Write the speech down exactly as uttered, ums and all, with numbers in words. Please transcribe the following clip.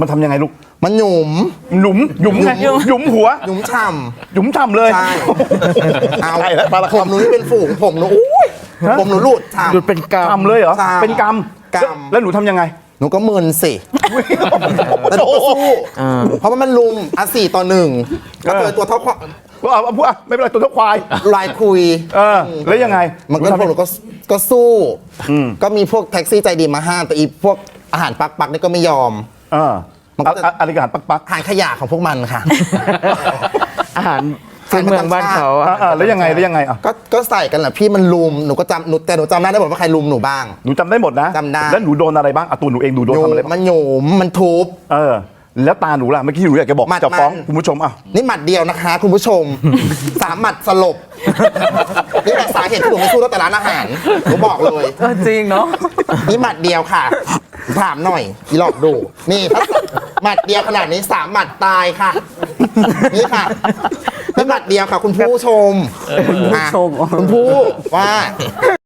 มันทำยังไงลูกมันหยุมหยุมหยุมไงหยุมหัวหยุมฉ่ำหยุมฉ่ำเลยใช่เอาใช่แล้วปลาละผมหนูนี่เป็นฝูงผมหนูอุ้ยผมหนูหลุดฉ่ำหลุดเป็นกรรมฉ่ำเลยเหรอเป็นกรรมกรรมแล้วหนูทำยังไงหนูก็มึนสิแต่หนูก็สู้เพราะว่ามันลุมอ่ะสี่ต่อหนึ่งก็เจอตัวเท่าควายว่าเอาพูดอ่ะไม่เป็นไรตัวเท่าควายลายคุยเออแล้วยังไงมันก็พวกหนูก็ก็สู้ก็มีพวกแท็กซี่ใจดีมาห้ามแต่อีพวกอาหารปักปักนี่ก็ไม่ยอมเออมันก็อะไรกันปักปักอาหารขยะของพวกมันค่ะอาหารพื้นเมืองบ้านเขาอ่ะแล้วยังไงแล้วยังไงอ่ะก็ก็ใส่กันแหละพี่มันลุมหนูก็จำหนูแต่หนูจำได้หมดว่าใครลุมหนูบ้างหนูจำได้หมดนะจำได้แล้วหนูโดนอะไรบ้างอ่ะตัวหนูเองหนูโดนทำอะไรมันหยุมมันทุบเออแล้วตาหนูล่ะเมื่อกี้หนูอยากจะบอกจะฟ้องคุณผู้ชมอ่ะนี่หมัดเดียวนะคะคุณผู้ชมสามหมัดสลบนี่แหละสาเหตุที่หนูไม่สู้ตั้งแต่ร้านอาหารหนูบอกเลยจริงเนาะนี่หมัดเดียวค่ะถามหน่อยอีหลอกดูนี่ถ้าหมัดเดียวขนาดนี้สามหมัดตายค่ะนี่ค่ะนี่หมัดเดียวค่ะคุณผู้ชมคุณผู้ว่า